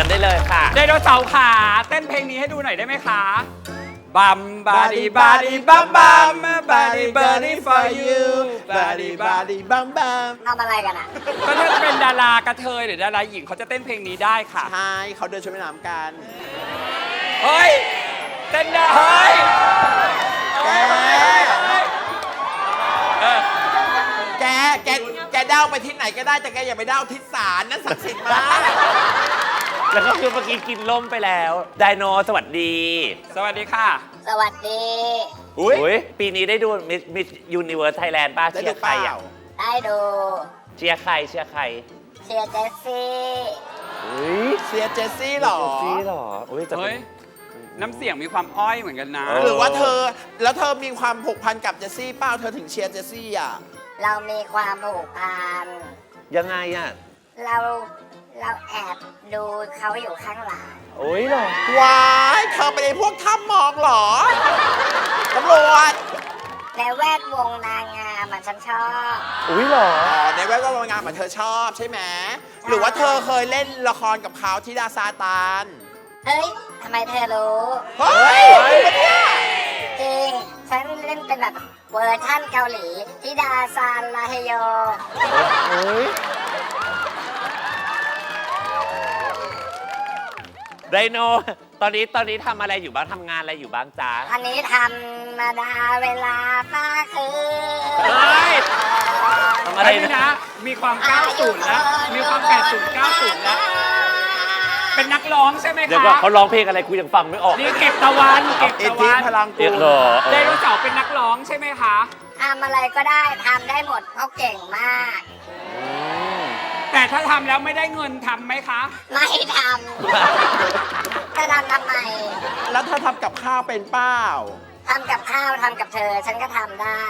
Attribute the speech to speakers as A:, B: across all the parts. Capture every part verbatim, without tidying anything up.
A: ญได้เลยค่ะ
B: ไดโนเสาร์ขาเต้นเพลงนี้ให้ดูหน่อยได้ไหมคะบัมบาดีบาดีบัมบัมบาดีบาดี for you บาดีบาดีบัมบัม
C: ทำอะไรกันอ่ะ
B: ก็ถ้าจะเป็นดารากระเทยหรือดาราหญิงเขาจะเต้นเพลงนี้ได้ค่ะ
D: ใช่เขาเดินชมแม่น้ำกัน
B: เฮ้ยเต้นได้เฮ้ย
D: แกแกแกเด้าไปที่ไหนก็ได้แต่แกอย่าไปเด้าทิศศาลนั่นศักดิ์สิทธิ์มาก
A: แล้วก็คือเมื่อกี้กินล่มไปแล้วไดโนสวัสดี
B: สวัสดีค่ะ
C: สวัสดี
A: อุ้ยปีนี้ได้ดูมิสมิสยูนิเวิร์สไทยแลนด์ป้าเชียร์ใครอ่ะ
C: ได้ดู
A: เชียร์ใครเชียร์ใคร
C: เชียร์เจสซี่
A: อุ้ย
D: เชียร์เจสซี่หรอ
A: เจสซี่หรออุ้ย
B: เฮ้ยน้ำเสียงมีความอ้อยเหมือนกันนะ
D: หรือว่าเธอแล้วเธอมีความผูกพันกับเจสซี่เปล่าเธอถึงเชียร์เจสซี่อ่ะ
C: เรามีความผูกพัน
A: ยังไงอ่ะ
C: เราเราแอบดูเขาอยู่ข้างหลัง
A: โอ้ยหรอ
D: ว้ายเธอเป็นไอ้พวกถ้ำมองหรอตำรวจ
C: ในแวดวงนางงามมันฉันชอบ
A: อุ้ยหรอ
D: อ๋อในแวดวงนางงามมันเธอชอบใช่ไหมหรือว่าเธอเคยเล่นละครกับเขาที่ดาซาตาน
C: เฮ้ยทำไมเธอรู้
D: เฮ้ย
C: จริงฉันเล่นเป็นแบบเวอร์ชั่นเกาหลีทิดาซานลาเฮโย
A: เฮ้ยไดโนตอนนี้ตอนนี้ทำอะไรอยู่บ้างทำงานอะไรอยู่บ้างจ๊ะ
C: อันนี้ทำมาดาเวลาฟ้าคืน
B: เฮ้ยทำอะไรนะมีความเก้าสิบแล้วมีความแปดสิบ เก้าสิบแล้วเป็นนักร้องใช่ไหมคะ
A: เดี๋ยวก่อนเขาร้องเพลงอะไรกูยังฟังไม่ออก
B: นี่เก็บตะวันเก็บตะวัน
D: พลังกู
B: ไดโนเสาร์เป็นนักร้องใช่ไหมคะ
C: ทำอะไรก็ได้ทำได้หมดเขาเก่งมาก
B: แต่ถ้าทำแล้วไม่ได้เงินทำไหมคะ
C: ไม่ทำจะทำทำไม
D: แล้วเธอทำกับข้าวเป็นเปล่า
C: ทำกับข้าวทำกับเธอฉันก็ทำได้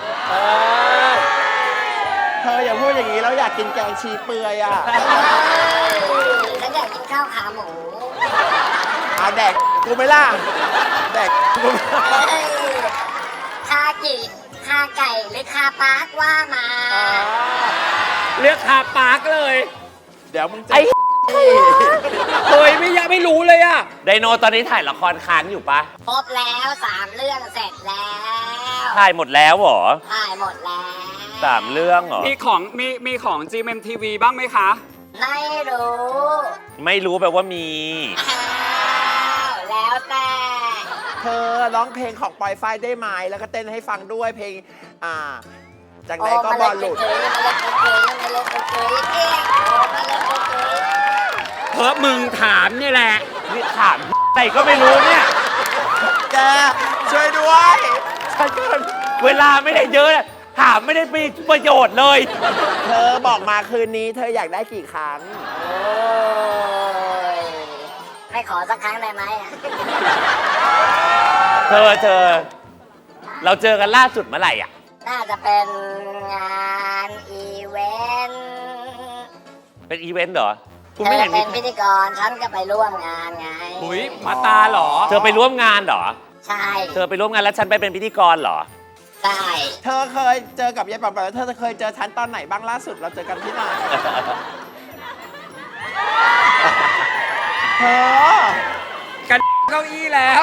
D: เธออย่าพูดอย่างนี้แล้วอยากกินแกงชีเปื่อยอ่ะ
C: ฉันอยากกินข้าวขาหมู
D: เอาแดกกูไม่ล่ะแดกกู
C: คากิคาไก่หรือคาปาร์กว่ามา
B: เลือกคาปาร์กเลย
D: เดี๋ยวมึงจะ
B: ไอ้เฮ้ยไม่ยังไม่รู้เลยอะ
A: ไดโนตอนนี้ถ่ายละครค้างอยู่ปะ
C: ครบแล้วสามเรื่องเสร็จแล้ว
A: ถ่ายหมดแล้วเหรอ
C: ถ่ายหมดแล้ว
A: สามเรื่องเหรอ
B: มีของมีมีของ จี เอ็ม ที วี บ้างไหมคะ
C: ไม่รู้
A: ไม่รู้แปลว่ามี
C: แล้วแต่
D: เธอร้องเพลงของปอยฝ้ายได้ไหมแล้วก็เต้นให้ฟังด้วยเพลงอ่าจากไหนก็บอลหลุด
B: เพราะมึงถามนี่แหละ
A: นี่ถามแต่ก็ไม่รู้เนี่ย
D: แกช่วยด้วย
A: ฉันก็เวลาไม่ได้เยอะถามไม่ได้มีประโยชน์เลย
D: เธอบอกมาคืนนี้เธออยากได้กี่ครั้ง
C: ไม่ขอสักครั้งได้ไหม
A: เธอเธอเราเจอกันล่าสุดเมื่อไหร่อ่ะ
C: น่าจะเป็นงานอีเวนต์
A: เป็นอีเวนต์เหรอ
C: คุณไม่เห็นเป็นพิธีกรฉันก็ไปร่วมงานไง
B: หุยมาตาเหรอ
A: เธอไปร่วมงานเหรอ
C: ใช่
A: เธอไปร่วมงานแล้วฉันไปเป็นพิธีกรเหรอ
C: ใช่
D: เธอเคยเจอกับยายป๋อมแล้วเธอเคยเจอฉันตอนไหนบ้างล่าสุดเราเจอกันที่ไหนเธอ
B: กันเก้าอี้แล้ว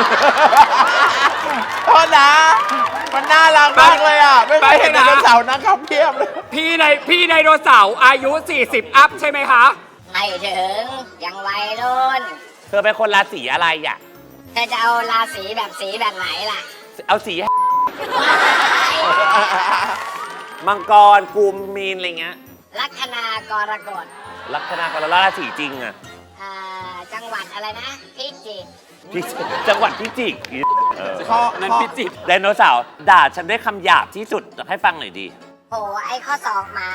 D: โทษนะมันน่ารักมากเลยอ่ะไม่เคยเห็นไดโนเสาร์นะครับเพียบเลย
B: พี่ในพี่ไดโนเสาร์อายุสี่สิบอัพใช่ไหมคะ
C: ไม่ถึงยังวัยรุ่น
A: เธอเป็นคนราศีอะไรอ่ะ
C: เธอจะเอาราศีแบบสีแบบไหนล่ะ
A: เอาสีมังกรกุมมีนอะไรเงี้ย
C: ลัคนากรกฎ
A: ลัคนากรราศีจริงอ่ะ
C: จังหวัดอะไรนะพิจิตร
A: จังหวัดพิจิตร
B: ข้อนั้นพิจิตร
A: ไดโนเสาร์ด่าฉันด้วยคำหยาบที่สุดให้ฟังหน่อยดี
C: โอ้ไอ้ข้อศอกหมา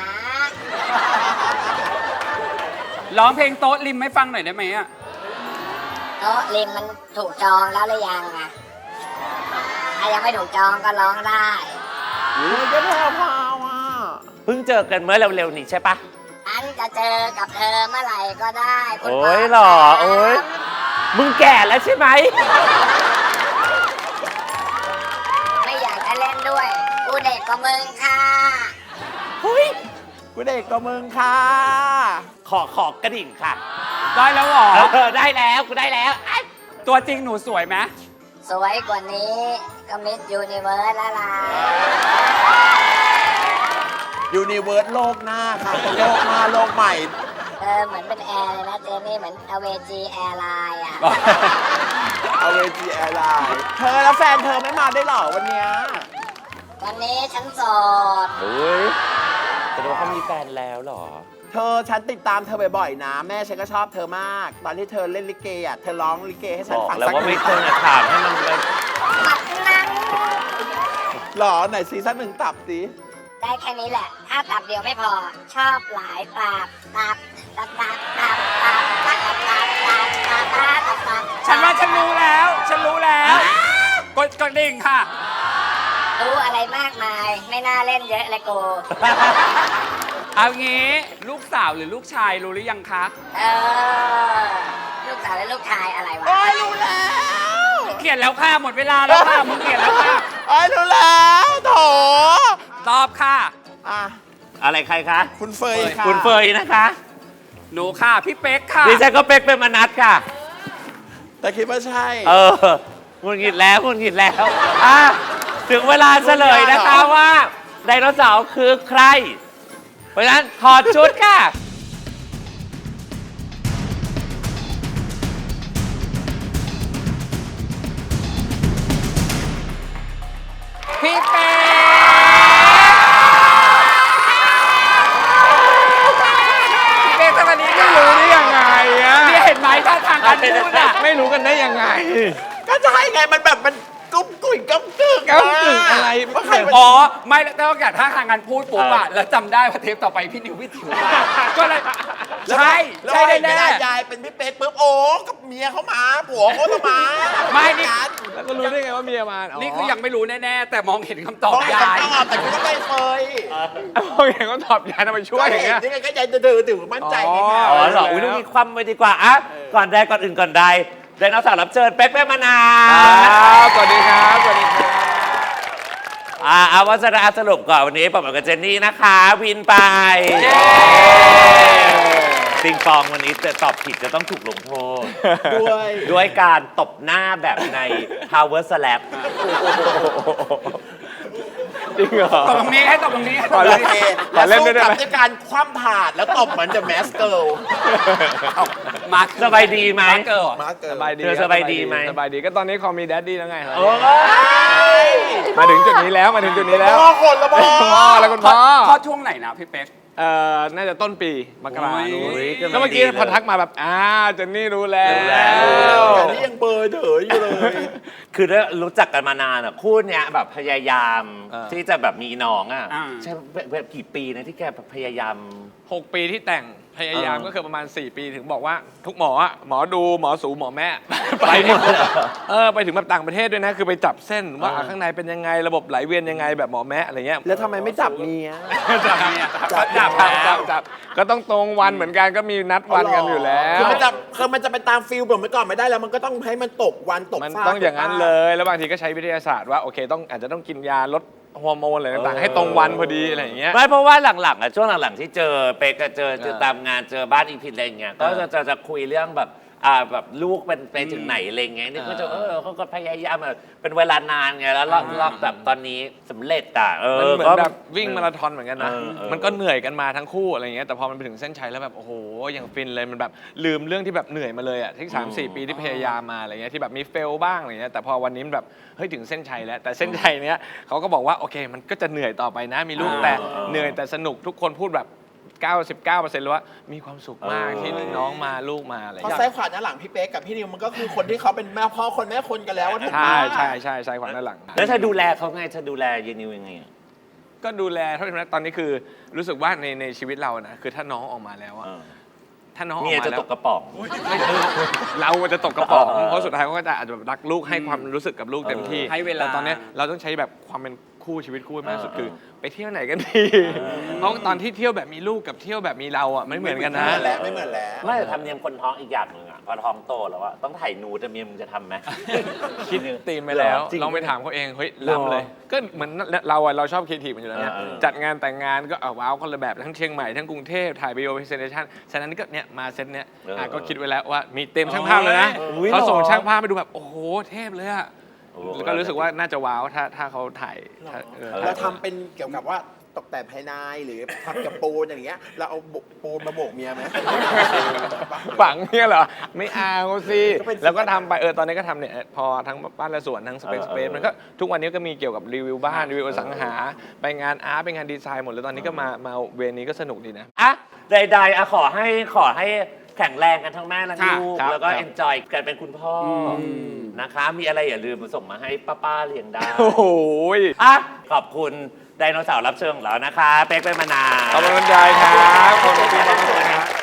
B: ร้องเพลงโต๊ะริมให้ฟังหน่อยได้ไหมอะ
C: โต๊ะริมมันถูกจองแล้วหรือยังอะถ้ายังไม่ถูกจองก็ร้องได้
D: โอ้ยก็แพรวพาวอ่ะ
A: เพิ่งเจอกันเมื่อเร็วๆนี้ใช่ปะ
C: ฉันจะเจอกับเธอเมื่อไหร่ก็ได้
A: โอ้ยหรอโอ้ยมึงแก่แล้วใช่ไหม
C: ไม่อยากจะเล่นด้วยกูเด็กกว่ามึงค่ะ
A: เฮ้ย
D: กูเด็กกว่ามึงค่ะ
A: ขอขอกระดิ่งค่ะ
B: ได้แล้วเหรอ
A: เออได้แล้วกูได้แล้วไอ้
B: ตัวจริงหนูสวยไหม
C: สวยกว่านี้ก็มิสยูนิเวิร์สละลาย
D: ยูนิเวิร์สโลกหน้าค่ะโลกหน้าโลกใหม่
C: เออเหมือนเป็นแอร์เลยนะเจนี่เหมือนอเวจีแอร์ไลน์อ่ะ
D: เอาเวจีแอร์ไลน์เธอแล้วแฟนเธอไม่มาได้หรอวันเนี้ย
C: วันนี้ฉันโสด
A: เฮ้ยแต่ว่าเขามีแฟนแล้วเหรอ
D: เธอฉันติดตามเธอบ่อยๆนะ แม่ฉันก็ชอบเธอมาก ตอนที่เธอเล่นลิเกอ่ะเธอร้องลิเกให้ฉั
A: บ
D: น
A: อก
D: ฟัง
A: แล้ว
D: สัก
A: ว่าไม่ควรจะถามให้มันเลย
C: ตับนั้น
D: หรอไหนซีซั่นหนึ่งตับสิ
C: ได้แค่นี้แหละ ถ้าตับเดียวไม่พอ ชอบหลายตับตับตับตับตับตับตับตับตับตับตับตับตับตับ
B: ฉันว่าฉันรู้แล้ว ฉันรู้แล้ว กดกระดิ่งค่ะ
C: รู้อะไรมากมาย ไม่น่าเล่นเยอะเลยกู
B: เอางี้ลูกสาวหรือลูกชายรู้หรือยังคะ
C: เออ ลูกสาวและลูกชายอะไรวะ
D: โอ้ยรู้แล้ว
B: เขียนแล้วค่ะหมดเวลาแล้วค่ะมึงเขียนแล้วค่ะ
D: โอ้ยรู้แล้วโถ
B: ตอบค่ะ
D: อ่ะ
A: อะไรใครคะ
D: คุณเฟยค่ะ
A: คุณเฟยนะคะ
B: หนูค่ะ พี่เป๊กค่ะ
A: ดิฉันก็เป็กเป็นมนัสค่ะ
D: แต่คิดว่าใช่
A: เออหงุดหงิดแล้วหงุดหงิดแล้วอ่ะถึงเวลาเฉลยนะคะว่าไดโนเสาร์คือใคร เพราะฉะนั้นถอดชุดค่ะ
B: พี่เป๊กพี่เป๊กสวัสดีค่ะ
E: รู้ได้ยังไงอะ
B: นี่เห็นไหมท่าทางการพูดอ่ะ
E: ไม่รู้กันได้ยังไง
D: ก็ใช่ไงมันแบบมันกุ้มกุ่ยก้มกึ่ง
E: ก้ำกึ่งอะไร
D: ว่าใครมัน
B: อ๋อ ไม่แล้วนอกจากท่าทางการพูดปุ๊บอ่ะ แล้วจำได้ว่าเทปต่อไปพี่นิวพี่ถิวมาก็เลย ใช่
D: แล้ว
B: ใช่
D: ไอ้
B: แน่
D: ไม่ได้
B: ๆ
D: ยายเป็นพี่เป๊กปุ๊บโอ้กับเมียเขามาผัวเขาต้องมา
B: ไม่นี่
D: กัน
E: แล้วก็รู้ได้ไงว่าเมียมา
B: นี่คือยังไม่รู้แน่ๆ แต่มองเห็นคำตอบ
D: ต้องให้
B: ยาย
D: คำตอบแต่คุณต้องไปเฟย
E: โอเคก็ตอบยายทำไมช่วยอย่างเงี้ย
D: นี่ไงก็ยายจะดื้อถือมั่นใจไงคะ
A: อ๋อเหรออุ้ยต้องมีความไปดีกว่าอ่ะก่อนใดก่อนอื่นก่อนใดไดโนเสาร์รับเชิญเป็กเป็นมนั
E: ค
A: ส
E: รับสวัสดีครับสวัสดีครับ
A: อ่าเอาวัสระสรุปก่อนวันนี้ผมกับเจนนี่นะคะ วินไปปิงปองวันนี้จะตอบผิดจะต้องถูกลงโทษ
D: ด้วย
A: ด้วยการตบหน้าแบบใน Power Slap
E: จริงเหรอ
B: ตบตรงนี้ให้ตบตรงนี้ให้ต
E: ข
B: บ
E: อ
B: ตร
E: เล่
B: ง
E: น
B: นี้
E: ขอเล่นด้วยได้
D: กั
E: ไหม
D: ด้วยการคว่ำถาดแล้วตบเหมือน The Mask Girl
B: มา
A: สบายดีไหม
B: มาเกิด
D: มาเกิ
E: ส
D: ด
E: บายดี
A: เธอสบายดีไหม
E: สบายดีก็ตอนนี้คอมีแดดดี้แล้วไงครับ
A: โอ้ย
E: มาถึงจุดนี้แล้วมาถึงจุดนี้แล้ว
D: พ่อคนละพ่อ
E: คุณพ่อแล้วคุณ
B: พอ
E: พ่อ
B: พอช่วงไหนนะพี่เป๊ก
E: เอ่อน่าจะต้นปีมกรา
B: โอ้ย
E: นู้น
A: โอ้ย
E: แล้วเมื่อกี้พอทักมาแบบอ่าเจนนี่รู้แล้ว
A: รู้แล้ว
D: แต่นี่ยังเบอร์เถออยู่เลย
A: คือได้รู้จักกันมานานอ่ะคู่เนี้ยแบบพยายาม
E: เออ
A: ที่จะแบบมีน้องอ่ะ
B: อ่า
A: ใช่แบบแบบกี่ปีนะที่แกพยายาม
E: หกปีที่แต่งพยายาม
A: เออ
E: ก็คือประมาณ สี่ ปีถึงบอกว่าทุกหมออะหมอดูหมอสูหมอแม่
A: ไปหมดเลยเหรอ
E: เออไปถึงแบบต่างประเทศด้วยนะ คือไปจับเส้นว่า
A: เออ
E: อ่ะข้างในเป็นยังไงระบบไหลเวียนยังไงแบบหมอแม่อะไรเงี้ย
D: แล้วทำไมไม่จับเมีย
B: จับเนี่ย
E: จับ
B: จับ
E: จับ
B: แล้
E: จั
B: ว
E: บจับก็ต้องตรงวันเหมือนกันก็มีนัดวันกันอยู่แล้
D: คือ
E: ว
D: มันจะคือมันจะไปตามฟิลแบบเมื่อก่อนไม่ได้แล้วมันก็ต้องให้มันตกวันตก
E: มัน
D: ฟ้า
E: ต้องอย่างนั้น
D: ตกฟ้
E: เลย แล้วบางทีก็ใช้วิทยาศาสตร์ว่าโอเคต้องอาจจะต้องกินยาลดฮอร์โมนอะไรต่าง
A: เออ
E: ๆให้ตรงวันพอดีอะไรอย่างเงี้ย
A: ไม่เพราะว่าหลังๆอ่ะช่วงหลังๆที่เจอเป๊กก็เจอเจอ
E: เออ
A: ตามงานเจอบ้านอีพินอะไรอย่างเงี้ยก็จะจะจะคุยเรื่องแบบอ่าแบบลูกเป็นไปถึงไหนอะไรเงี้ยนี่ก็จะเออเขาก็พยายามแบบเป็นเวลานานไงแล้วรอบรอบแบบตอนนี้สำเร็จอ่ะเอ
E: มัน
A: อ
E: เหมือน
A: ก็
E: แบบวิ่งมาราธอนเหมือนกันนะ
A: เออเออ
E: มันก็เหนื่อยกันมาทั้งคู่อะไรเงี้ย แต่พอมันไปถึงเส้นชัยแล้วแบบโอ้โห อย่างฟินเลย มันแบบลืมเรื่องที่แบบเหนื่อยมาเลยอ่ะ ที่สามสี่ปีที่พยายามมาอะไรเงี้ย ที่แบบมีเฟลบ้างอะไรเงี้ย แต่พอวันนี้มันแบบเฮ้ยถึงเส้นชัยแล้ว แต่เส้นชัยเนี้ยเขาก็บอกว่าโอเค มันก็จะเหนื่อยต่อไปนะ มีลูกแต่เหนื่อยแต่สนุกทุกคนพูดแบบ เก้าสิบเก้าเปอร์เซ็นต์ เลยว่ามีความสุขมากที่น้องมาลูกมาอะไร
D: เพราะ
E: เงี้ย
D: ซ้ายขวาหน้าหลังพี่เป๊กกับพี่นิวมันก็คือคนที่เขาเป็นแม่พ่อคนแม่คนกันแล้วว่าถูกไหม
E: ใช่ใช่ใช่ใช่ขวาด้านหลัง
A: แล้วเธอดูแลเขาไงเธอดูแลเยนิวยังไงอะ
E: ก็ดูแลเท่าที่ตอนนี้คือรู้สึกว่าในในชีวิตเรานะคือถ้าน้องออกมาแล้วอะ
A: เออ
E: ถ้าน้องออก
A: เมีย
E: มา
A: จะ
E: แล้ว
A: ตกกระป๋อง
E: ไม่เออเราจะตกกระป๋อง
A: เออ
E: เพราะสุดท้ายเขาก็จะอาจจะแบบรักลูกให้ความรู้สึกกับลูกเต็มที่
B: ให้เวลา
E: แต่ตอนเนี้ยเราต้องใช้แบบความเป็นคู่ชีวิตคู่ให้มากที่สุด
A: เออ
E: คือ ไปเที่ยวไหนกันดีเพราะตอนที่เที่ยวแบบมีลูกกับเที่ยวแบบมีเราอ่ะไม่เหมือนกันนะ
D: ไม่เหมือนแล้วไม่เหมือนแล้ว
A: ไม่แต่ทำเนียมคนท้องอีกอย่างหนึ่งอ่ะพอท้องโตแล้วอะต้องถ่ายนูดแต่เมียมึงจะทำไหม
E: คิดตีมไปแล้ว
A: จริง
E: ลองไปถามเขาเองเฮ้ยล้ำเลย ก็เหมือนเราอะเราชอบครีเอทีฟมันอยู่แล้วเนี่ย
A: เออเออ
E: จัดงานแต่งงานก็เอาว้าวคนละแบบทั้งเชียงใหม่ทั้งกรุงเทพถ่ายวิดีโอพรีเซนเทชันฉะนั้นก็เนี่ยมาเซตเนี้ยอ่ะก็คิดไว้แล้วว่ามีเต็มช่างภาพเลยนะ
A: อุ๊ย
E: เขาส่ง
A: หรอ
E: ช่างภาพไปดูแบบโอ้โหเทพเลยอะ
A: โอ้
E: แล้วก็รู้สึกว่าน่าจะว้าวถ้าถ้าเขาถ่ายถ้าเออ
D: เราทำเป็นเกี่ยวกับว่าตกแต่งภายในหรือทำกับปูนอย่างเงี้ยเราเอาปูนมาโบกเมียไหม
E: ฝังเนี่ยเหรอ ไม่เอาสิ
D: ก็เป็น
E: แล้วก็ทำไปเออตอนนี้ก็ทำเนี่ยพอทั้งบ้านและสวนทั้งสเปซสเปซมันก็ทุกวันนี้ก็มีเกี่ยวกับรีวิวบ้านรีวิวอสังหา ไปงานอาร์ตไปงานดีไซน์หมดเลยตอนนี้ก็มามาเวรนี้ก็สนุกดีนะ
A: อะใดๆอะขอให้ขอให้แข็งแรงกันทั้งแม่ทั้งลูก
E: ครับ
A: แล้วก็
E: ครับ
A: เอนจอยกันเป็นคุณพ่ออนะคะ มีอะไรอย่าลืมส่งมาให้ป้าๆเลี้ยงได้
E: โอ้โห
A: อ่ะขอบคุณไดโนเสาร์รับเชิญของเรานะคะ เป๊กเป็นมานาว
E: ขอบคุณใจครับขอบคุณครับ